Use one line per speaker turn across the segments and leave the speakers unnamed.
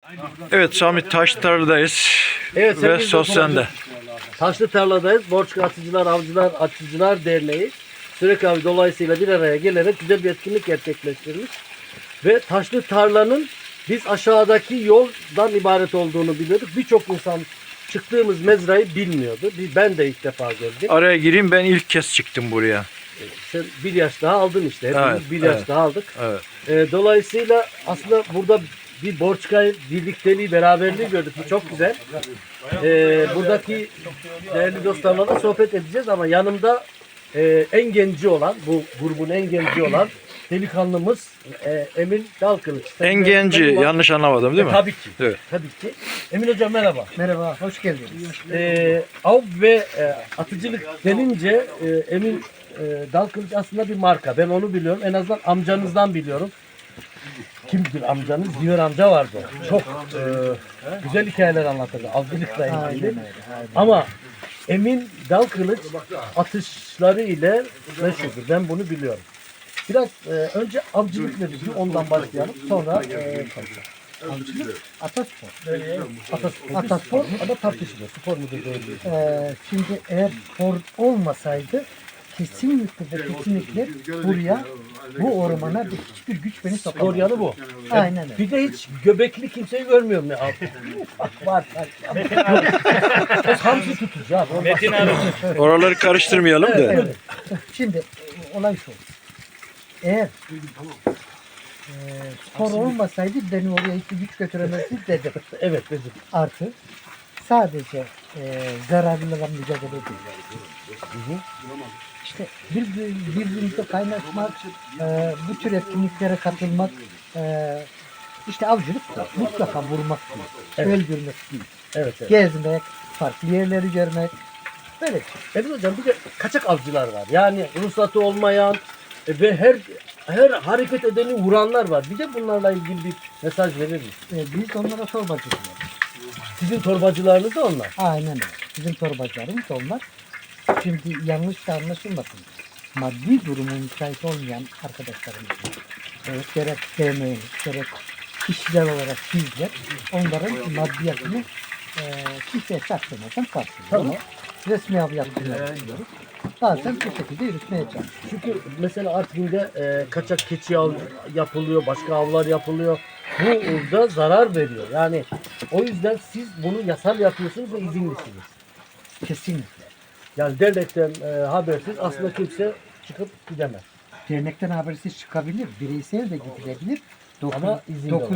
Evet Sami Taştar'dayız.
Evet,
Ve söz sende.
Taşlı tarladayız. Borçlu Atıcılar, Avcılar, Atıcılar Derneği Sürek Avı dolayısıyla bir araya gelerek güzel bir etkinlik gerçekleştirmiş. Ve taşlı tarlanın biz aşağıdaki yoldan ibaret olduğunu biliyorduk. Birçok insan çıktığımız mezrayı bilmiyordu. Ben de ilk defa gördüm.
Araya gireyim, ben ilk kez çıktım buraya.
Sen bir yaş daha aldın işte. Hepimiz
Evet,
bir yaş
evet.
daha aldık.
Evet.
Dolayısıyla aslında burada bir Borçkay birlikteliği, beraberliği gördük. Bu çok güzel. Buradaki değerli dostlarla da sohbet edeceğiz ama yanımda en genci olan, bu grubun en genci olan delikanlımız Emin Dalkılıç.
En genci, yanlış anlamadım değil mi?
Tabii ki.
Evet.
Tabii ki. Emin Hocam merhaba.
Merhaba, hoş geldiniz.
Av ve atıcılık denince Emin Dalkılıç aslında bir marka. Ben onu biliyorum. En azından amcanızdan biliyorum. Kimdir amcanız? Diyor amca vardı. Çok güzel hikayeler anlatırdı. Avcılıkla ilgili. Ama Emin Dalkılıç atışları ile meşhurdur. Ben bunu biliyorum. Biraz önce avcılık nedir? Ondan başlayalım. Sonra
Avcılık, ataspor.
ataspor ama tartışılıyor. Spor mudur değil mi?
Şimdi eğer spor olmasaydı kesinlikle ve kesinlikle buraya, bu ormana hiçbir güç beni
Spor
sokamaz.
yanı bu.
Aynen öyle.
Bir de hiç göbekli kimseyi görmüyorum ya. Bak var. Hamsi tutucu abi. Metin abi.
Oraları karıştırmayalım da.
Evet. Şimdi olay şu. Eğer spor olmasaydı beni oraya hiçbir güç götüremezdi dedim.
Evet dedim.
Artı sadece zararlılarla mücadele ediyoruz. İşte birbirimizle kaynaşmak, bu tür etkinliklere katılmak, işte avcılık mutlaka vurmak değil,
Evet.
öldürmek değil,
Evet.
gezmek, farklı yerleri görmek, böyle bir şey.
Evet hocam bir de kaçak avcılar var. Yani ruhsatı olmayan ve her hareket edeni vuranlar var. Bir de bunlarla ilgili bir mesaj verir misin?
Biz onlara torbacı diyoruz.
Sizin torbacılarınız da onlar.
Aynen öyle. Bizim torbacılarımız onlar. Şimdi yanlış da anlaşılmasın. Maddi durumu müsait olmayan arkadaşlarımız var. Evet, gerek sevmeyiz, gerek kişiler olarak bizler onların maddiyatını kimseye çaktırmadan karşılıyoruz.
Tamam.
Resmi av yaptırmak istiyoruz. Bazen bu şekilde yürütmeye çalışıyoruz.
Çünkü mesela Artvin'de kaçak keçi av yapılıyor, başka avlar yapılıyor. Bu da zarar veriyor. Yani o yüzden siz bunu yasal yapıyorsunuz ve izinlisiniz.
Kesinlikle.
Yani dernekten habersiz aslında kimse çıkıp gidemez.
Dernekten habersiz çıkabilir, bireysel de gidilebilir.
Ama izin de var.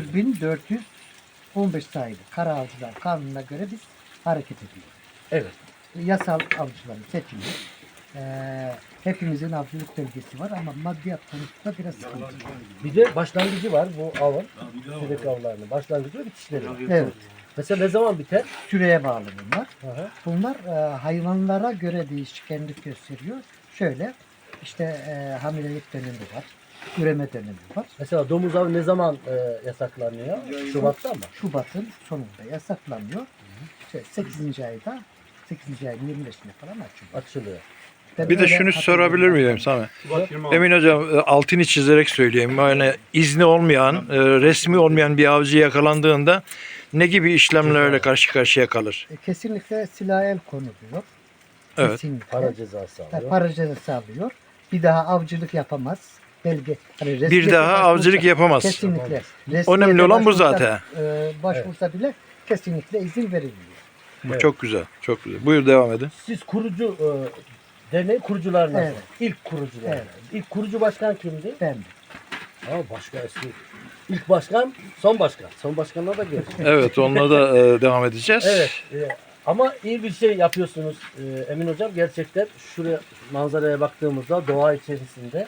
9415 sayılı Kara Avcılar Kanunu'na göre biz hareket ediyoruz.
Evet.
Yasal avcıların seçimi. Hepimizin avcılık bölgesi var ama maddiyat konusunda biraz sıkıntı.
Bir de başlangıcı var bu avın. Sürek avlarının başlangıcı ve bitişleri var.
Evet.
Mesela ne zaman biter?
Süreye bağlı bunlar.
Hı.
Bunlar hayvanlara göre değişkenlik gösteriyor. Şöyle işte hamilelik dönemi var. Üreme dönemi var.
Mesela domuz avı ne zaman yasaklanıyor? Şubat'ta mı?
Şubat'ın sonunda yasaklanıyor. İşte 8. ayda 8. ayın 25'inde falan açılıyor.
Açılıyor.
Ben
Bir de
öyle
şunu sorabilir
hatırlıyorum.
miyim Sami? Emin hocam altını çizerek söyleyeyim. Yani izni olmayan, resmi olmayan bir avcı yakalandığında ne gibi işlemlerle karşı karşıya kalır?
Kesinlikle silah el konuluyor.
Evet.
Kesinlikle.
Para cezası
Yani
alıyor.
para cezası alıyor. Bir daha avcılık yapamaz. Belge. Hani
Bir
resmiyete
daha
başvursa-
avcılık yapamaz.
Kesinlikle.
Önemli olan bu
Resmiyete
zaten.
Başvursa bile kesinlikle izin verilmiyor.
Bu
Evet.
çok güzel, çok güzel. Buyur devam edin.
Siz kurucu derneğin kurucularınız.
Evet.
İlk kurucular.
Evet.
İlk kurucu başkan kimdi?
Ben de.
Başka eski. İlk başkan, son başkan. Son başkanlar da görüşürüz.
Evet, onunla da devam edeceğiz.
Evet. Ama iyi bir şey yapıyorsunuz Emin Hocam. Gerçekten şuraya manzaraya baktığımızda doğa içerisinde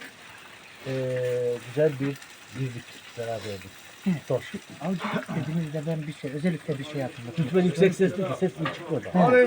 güzel bir birlik beraberlik. Sor.
Avcılık dediğimizde ben özellikle bir şey hatırlatıyorum.
Lütfen yüksek sesli ki ses mi çıkmadı.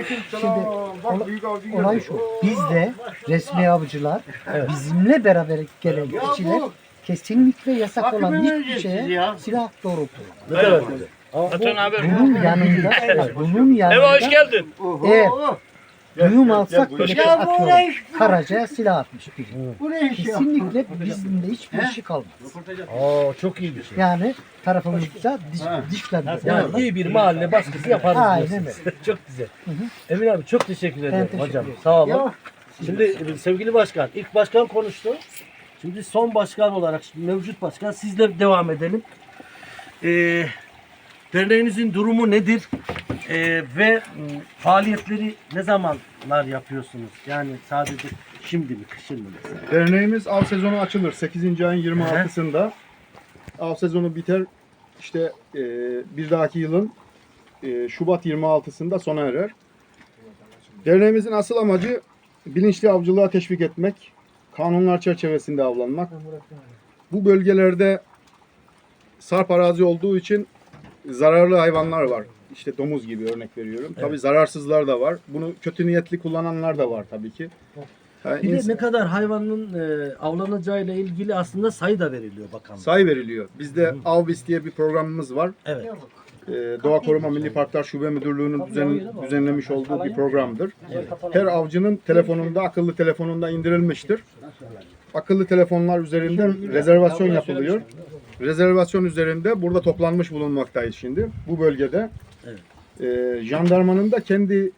Şimdi olay şu. Bizde resmi avcılar bizimle beraber gelen kişiler kesinlikle yasak olan hiçbir şeye silah doğrultuyor.
Ne kadar güzel. Ama bu,
Bunun yanında, bunun yanında
Eve hoş geldin.
eğer düğüm alsak böyle atıyorum. Karaca'ya silah atmış biri. Kesinlikle bizim de hiçbir şey kalmaz.
Oo, çok iyi bir şey.
Yani tarafımızda dişlerimiz.
Yani iyi bir mahalle baskısı yaparız
Aynen
diyorsunuz. Çok güzel. Emin abi çok teşekkür ederim
teşekkür
hocam. Sağ olun. Şimdi sevgili başkan, ilk başkan konuştu. Şimdi son başkan olarak, şimdi mevcut başkan, sizle devam edelim. Derneğinizin durumu nedir? Ve faaliyetleri ne zamanlar yapıyorsunuz? Yani sadece şimdi mi, kışın mı mesela?
Derneğimiz av sezonu açılır 8. ayın 26'sında. Av sezonu biter. İşte bir dahaki yılın Şubat 26'sında sona erer. Derneğimizin asıl amacı bilinçli avcılığa teşvik etmek, kanunlar çerçevesinde avlanmak. Bu bölgelerde sarp arazi olduğu için zararlı hayvanlar var. İşte domuz gibi örnek veriyorum. Tabii zararsızlar da var. Bunu kötü niyetli kullananlar da var tabii ki. Yani
Bir de ne kadar hayvanın avlanacağıyla ilgili aslında sayı da veriliyor bakanlık.
sayı veriliyor. Bizde Avbis diye bir programımız var.
Evet.
Doğa Koruma Milli Parklar Şube Müdürlüğü'nün düzenlemiş olduğu bir programdır. Her avcının telefonunda, akıllı telefonunda indirilmiştir. Akıllı telefonlar üzerinden rezervasyon yapılıyor. Rezervasyon üzerinde burada toplanmış bulunmaktayız şimdi. Bu bölgede. Jandarmanın da kendi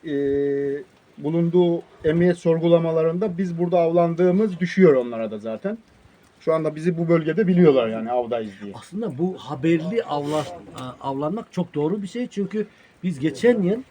bulunduğu emniyet sorgulamalarında biz burada avlandığımız düşüyor onlara da zaten. Şu anda bizi bu bölgede biliyorlar yani avdayız diye.
Aslında bu haberli avlanmak çok doğru bir şey. Çünkü biz geçen yıl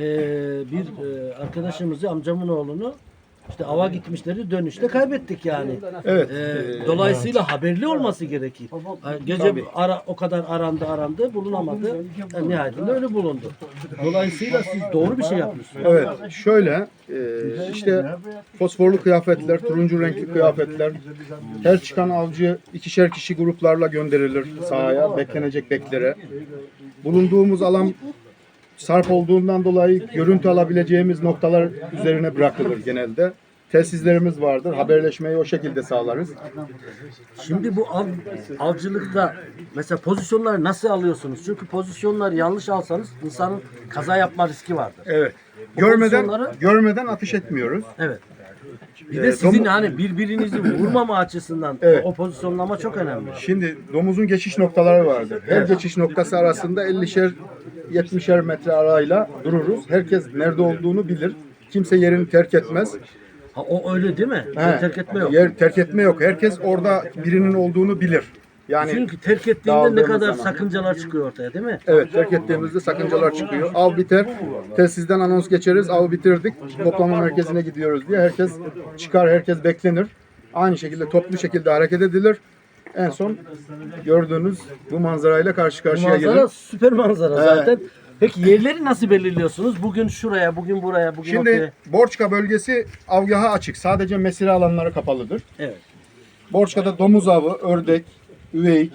bir arkadaşımızı, amcamın oğlunu işte ava gitmişleri, dönüşte kaybettik yani.
Evet.
Dolayısıyla haberli olması gerekir. Gece o kadar arandı bulunamadı. Nihayetinde öyle bulundu. Dolayısıyla siz doğru bir şey yapmışsınız.
Evet, şöyle işte fosforlu kıyafetler, turuncu renkli kıyafetler, her çıkan avcı ikişer kişi gruplarla gönderilir sahaya, beklenecek beklere. Bulunduğumuz alan sarp olduğundan dolayı görüntü alabileceğimiz noktalar üzerine bırakılır genelde. Telsizlerimiz vardır, haberleşmeyi o şekilde sağlarız.
Şimdi bu avcılıkta mesela pozisyonları nasıl alıyorsunuz? Çünkü pozisyonları yanlış alsanız insanın kaza yapma riski vardır.
Evet,
O pozisyonları-
görmeden atış etmiyoruz.
Evet. Bir de sizin
domu-
hani birbirinizi vurmama açısından
Evet.
o pozisyonlama çok önemli.
Şimdi domuzun geçiş noktaları vardır. Her geçiş noktası arasında 50'şer 70'er metre arayla dururuz. Herkes nerede olduğunu bilir. Kimse yerini terk etmez.
Ha, o öyle değil mi?
He,
Terk etme yok.
Yer terk etme yok. Herkes orada birinin olduğunu bilir. Yani
Çünkü terk ettiğinde ne
dağıldığımız
kadar
zaman.
sakıncalar çıkıyor ortaya değil mi?
evet, terk ettiğimizde sakıncalar çıkıyor. Av biter. Telsizden anons geçeriz. Av bitirdik. Toplama merkezine gidiyoruz diye herkes çıkar, herkes beklenir. Aynı şekilde toplu şekilde hareket edilir. En son gördüğünüz bu manzarayla karşı karşıya
Manzara
gelir.
süper manzara zaten. Peki yerleri nasıl belirliyorsunuz? Bugün şuraya, bugün buraya, bugün ortaya.
Şimdi Borçka bölgesi avgaha açık. Sadece mesire alanları kapalıdır.
Evet.
Borçka'da domuz avı, ördek, üveyik,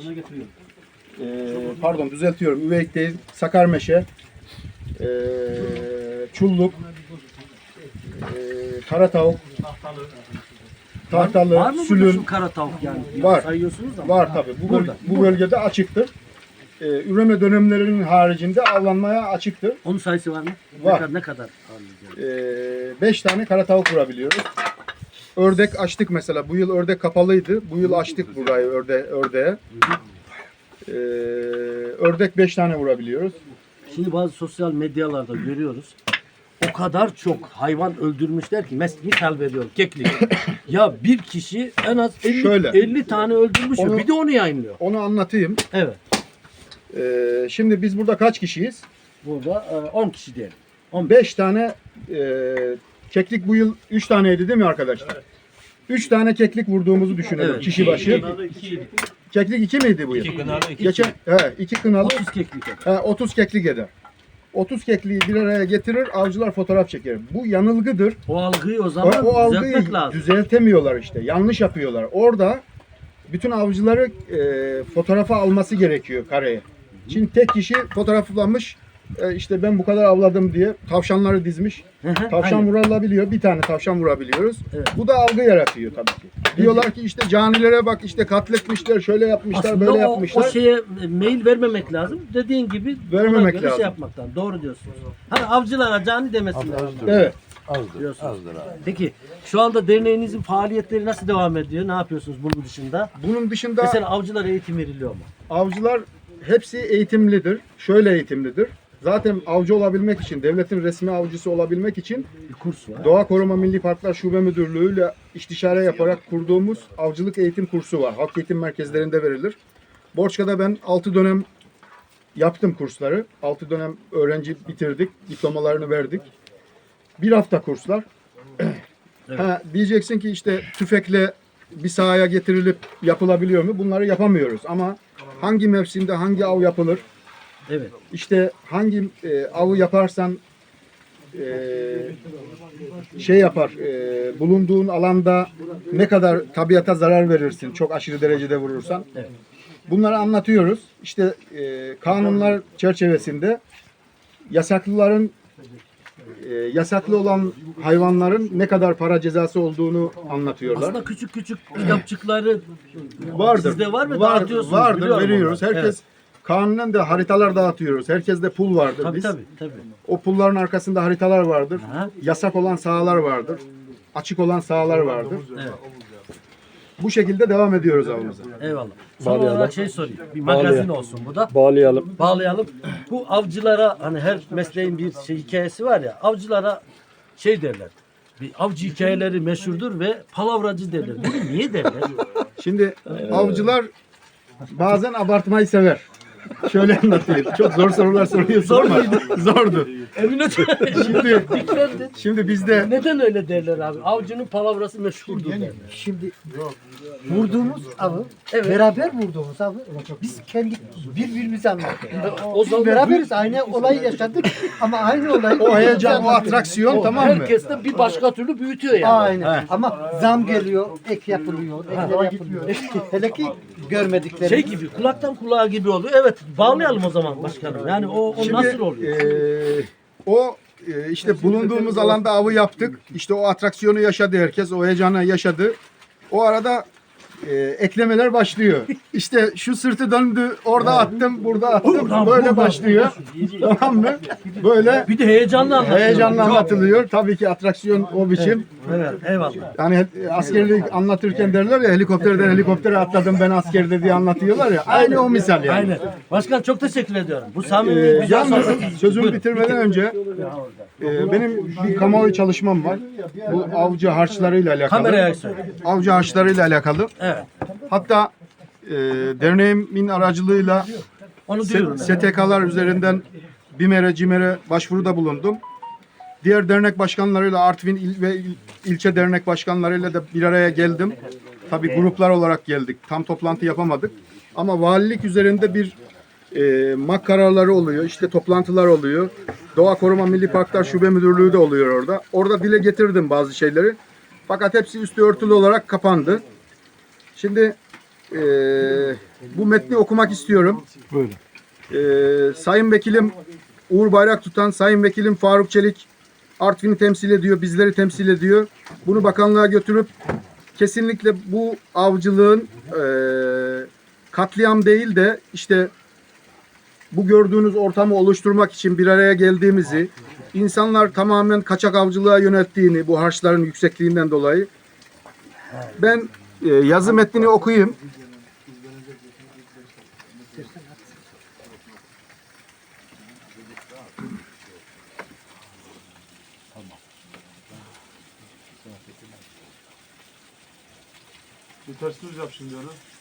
pardon düzeltiyorum, üveyik değil, sakarmeşe, çulluk, kara tavuk, tahtalı,
Var mı burada
sülün
şu kara tavuk yani?
Var.
Sayıyorsunuz ama.
var tabi.
Burada.
Bu bölgede açıktır. Üreme dönemlerinin haricinde avlanmaya açıktır.
Onun sayısı var mı?
Var.
Ne kadar ağırlayacağız?
5 tane kara tavuk vurabiliyoruz. Ördek açtık mesela. Bu yıl ördek kapalıydı. Bu yıl açtık burayı ördeğe. Ördek 5 tane vurabiliyoruz.
Şimdi bazı sosyal medyalarda görüyoruz. O kadar çok hayvan öldürmüşler ki misal veriyorum keklik. Ya bir kişi en az 50,
Şöyle.
50 tane öldürmüş
Onu-
bir de onu yayınlıyor.
Onu anlatayım.
Evet.
Şimdi biz burada kaç kişiyiz?
Burada 10 kişi diyelim.
5 tane keklik bu yıl 3 taneydi değil mi arkadaşlar? 3 tane keklik vurduğumuzu düşünelim
Evet.
kişi başı. Keklik 2 miydi bu yıl? Geçen 2 kınalı
30 keklik.
30 keklik eder. 30 kekliği bir araya getirir, avcılar fotoğraf çeker. Bu yanılgıdır.
O algıyı o zaman
O algıyı
düzeltmek lazım.
düzeltemiyorlar işte. Yanlış yapıyorlar. Orada bütün avcıları fotoğrafa alması gerekiyor kareye. Şimdi tek kişi fotoğraflamış, işte ben bu kadar avladım diye tavşanları dizmiş. Tavşan
Aynen.
vurulabiliyor. Bir tane tavşan vurabiliyoruz.
Evet.
Bu da algı yaratıyor tabii ki. Diyorlar ki işte canilere bak, işte katletmişler, şöyle yapmışlar,
Aslında
böyle
o
yapmışlar.
şeye mail vermemek lazım. Dediğin gibi
Vermemek
ona göre
lazım.
şey yapmaktan. Doğru diyorsunuz. Hani avcılara cani demesinler.
Evet.
Diyorsunuz.
Azdır abi.
Peki şu anda derneğinizin faaliyetleri nasıl devam ediyor? Ne yapıyorsunuz bunun dışında?
Bunun dışında
Mesela avcılar eğitim veriliyor mu?
avcılar hepsi eğitimlidir. Şöyle eğitimlidir. Zaten avcı olabilmek için, devletin resmi avcısı olabilmek için
Bir kurs var.
Doğa Koruma Milli Parklar Şube Müdürlüğü ile istişare yaparak kurduğumuz avcılık eğitim kursu var. Halk eğitim merkezlerinde verilir. Borçka'da ben 6 dönem yaptım kursları. 6 dönem öğrenci bitirdik. Diplomalarını verdik. Bir hafta kurslar. Ha, diyeceksin ki işte tüfekle bir sahaya getirilip yapılabiliyor mu? Bunları yapamıyoruz ama hangi mevsimde hangi av yapılır?
Evet.
İşte hangi avı yaparsan şey yapar, bulunduğun alanda ne kadar tabiata zarar verirsin çok aşırı derecede vurursan.
Evet.
Bunları anlatıyoruz. İşte kanunlar çerçevesinde yasaklıların yasaklı olan hayvanların ne kadar para cezası olduğunu anlatıyorlar.
Aslında küçük küçük kitapçıkları
Vardır.
sizde var mı?
Var,
Dağıtıyorsunuz,
vardır,
biliyorum
veriyoruz.
onları.
Herkes kanunen de haritalar dağıtıyoruz. Herkeste pul vardır
Tabii
biz.
tabii.
O pulların arkasında haritalar vardır.
Aha.
Yasak olan sahalar vardır. Açık olan sahalar vardır.
Evet.
Bu şekilde devam ediyoruz avımıza.
Eyvallah. Son olarak şey sorayım. Bir magazin olsun bu da.
Bağlayalım.
Bağlayalım. Bu avcılara hani her mesleğin bir şey hikayesi var ya. Avcılara şey derler. Bir avcı hikayeleri meşhurdur ve palavracı derler. Bunu niye derler?
Şimdi avcılar bazen abartmayı sever. Şöyle anlatayım. Çok zor sorular soruyorsun
Zor
ama zordu.
Emine
Şimdi
Diklendi.
şimdi bizde
Neden öyle derler abi? Avcının palavrası meşhurdur derler.
Şimdi vurduğumuz avı,
Evet.
beraber vurduğumuz avı biz kendi birbirimize anlatıyoruz.
O
Biz
zaman
beraberiz, aynı olayı yaşadık ama aynı olayı
o heyecan, o
birbirimize anlatıyoruz.
atraksiyon tamam mı?
herkes de bir başka türlü büyütüyor yani.
Aynen. Ama zam geliyor, ek yapılıyor, ekler yapılıyor. Hele ki görmedikleri.
Şey gibi kulaktan kulağa gibi oluyor. Evet bağlayalım o zaman başkanım. Yani o
Şimdi,
nasıl oluyor?
işte bulunduğumuz alanda avı yaptık. İşte o atraksiyonu yaşadı herkes. O heyecanı yaşadı. O arada eklemeler başlıyor. İşte şu sırtı döndü. Orada attım, burada attım. Böyle başlıyor. Tamam mı? Böyle
Bir de heyecanla anlatıyor.
heyecanla anlatılıyor. Tabii ki atraksiyon o biçim.
Evet eyvallah.
Yani askerlik anlatırken derler ya helikopterden helikoptere atladım ben askerde diye anlatıyorlar ya. Aynı o misal yani.
Aynen. Başkan çok teşekkür ediyorum. Bu samimi güzel
Yalnız
sohbet.
sözümü
Buyurun.
bitirmeden önce benim bir kamuoyu çalışmam var. Bu avcı harçlarıyla alakalı.
Kameraya söyle.
Avcı harçlarıyla alakalı.
Evet.
Hatta derneğimin aracılığıyla
Onu diyorum. ben.
STK'lar üzerinden BİMER'e, CİMER'e başvuruda bulundum. Diğer dernek başkanlarıyla Artvin il ve ilçe dernek başkanlarıyla da bir araya geldim. Tabii gruplar olarak geldik. Tam toplantı yapamadık. Ama valilik üzerinde bir MAK kararları oluyor. İşte toplantılar oluyor. Doğa Koruma Milli Parklar Şube Müdürlüğü de oluyor orada. Orada dile getirdim bazı şeyleri. Fakat hepsi üstü örtülü olarak kapandı. Şimdi bu metni okumak istiyorum.
Buyurun.
Sayın Vekilim Uğur Bayrak tutan Sayın Vekilim Faruk Çelik Artvin'i temsil ediyor, bizleri temsil ediyor. Bunu bakanlığa götürüp kesinlikle bu avcılığın katliam değil de işte bu gördüğünüz ortamı oluşturmak için bir araya geldiğimizi, insanlar tamamen kaçak avcılığa yönelttiğini bu harçların yüksekliğinden dolayı ben yazı metnini okuyayım.
Bir ters düz yap şimdi onu.